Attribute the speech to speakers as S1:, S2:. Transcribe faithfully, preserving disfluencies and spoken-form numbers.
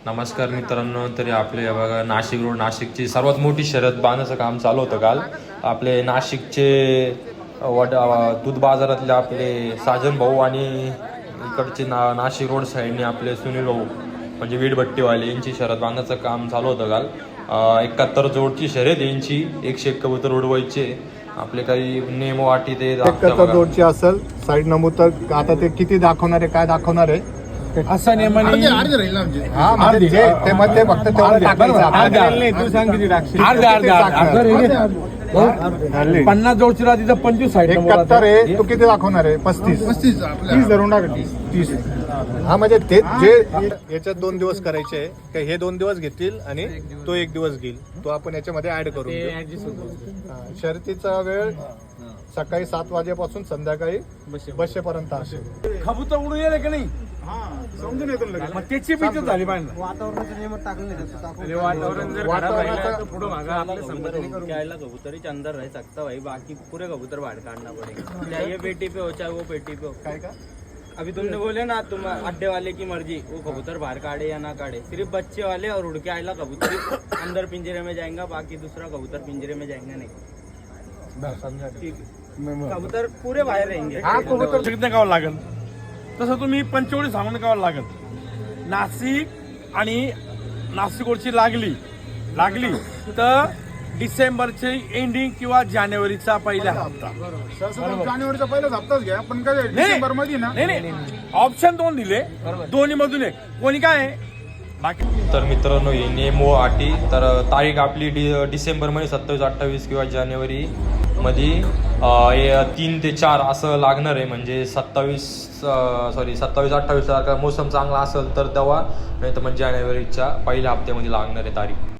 S1: नमस्कार मित्रांनो, तरी आपले बघा नाशिक रोड नाशिकची सर्वात मोठी शर्यत बांधण्याचं काम चालू होतं काल. आपले नाशिकचे वड दूध बाजारातले आपले साजन भाऊ आणि इकडचे ना नाशिक रोड साईडने आपले सुनील भाऊ म्हणजे वीटभट्टीवाले यांची शर्यत बांधण्याचं काम चालू होतं काल. एकाहत्तर जोडची शर्यत यांची, एकशे एक कबूतर उडवायचे. आपले काही नेम वाटी ते
S2: एकाहत्तर जोडची असेल साईड नमूद तर आता ते किती दाखवणार आहे, काय दाखवणार आहे
S3: असा नेमाने
S2: हा म्हणजे जे ते मध्ये फक्त तेवढं टाकायचं.
S3: तू सांग किती टाकशील? अर्धा अर्धा पन्नास जोडची राहते तर पंचवीस साईड
S2: एकाहत्तर आहे, तू किती दाखवणार आहे? पस्तीस पस्तीस तीस धरून टाक. तीस हा म्हणजे ते जे याच्यात दोन दिवस करायचे आहे का, हे दोन दिवस घेतील आणि तो एक दिवस घेईल, तो आपण याच्यामध्ये ऍड करून घेऊ. शर्यतीचा वेळ सकाळी सात वाजेपासून संध्याकाळी बसेपर्यंत असेल.
S3: खबूतर उडून येईल की नाही
S2: समजून येतो
S3: मग त्याची भीती झाली पाहिजे.
S4: वातावरणाच्या नियमात टाकलं
S3: वातावरण जर
S2: वातावरणाचा
S3: पुढे मागा आपल्या संबंधाने करून
S5: क्या कबूतर के अंदर रह सकता भाई, बाकी पूरे कबूतर बाहर काटना पड़ेगा. चाहे ये पेटी पे हो चाहे वो पेटी पे हो.
S2: काय का
S5: अभी तुमने बोले ना तुम अड्डे वाले की मर्जी, वो कबूतर बाहर काटे या ना काटे, सिर्फ बच्चे वाले और उड़ के आयला कबूतर ही अंदर पिंजरे में जाएगा, बाकी दूसरा कबूतर पिंजरे में जाएंगे नहीं. ठीक, कबूतर पूरे बाहर रहेंगे.
S3: हा कबूतर शिकणे गावं लागेल तसं तुम्ही पंचवडी सांगून गावं लागेल. नाशिक आणि नाशिकोडची लागली लागली तर डिसेंबरचे एंडिंग किंवा जानेवारीचा पहिला हप्ता.
S2: जानेवारीचा पहिलाच हप्ताच घ्या, पण काय डिसेंबर मध्ये ना
S3: नाही नाही ऑप्शन दोन दिले, दोन्ही मधून एक कोणी काय आहे बाकी.
S1: तर मित्रांनो हे नेमो अटी तर तारीख आपली डि डिसेंबरमध्ये सत्तावीस अठ्ठावीस किंवा जानेवारी मध्ये तीन ते चार असं लागणार आहे. म्हणजे सत्तावीस सॉरी सत्तावीस अठ्ठावीस सारखा मोसम चांगला असेल तर तेव्हा, नाही तर म्हणजे जानेवारीच्या पहिल्या हप्त्यामध्ये लागणार आहे तारीख.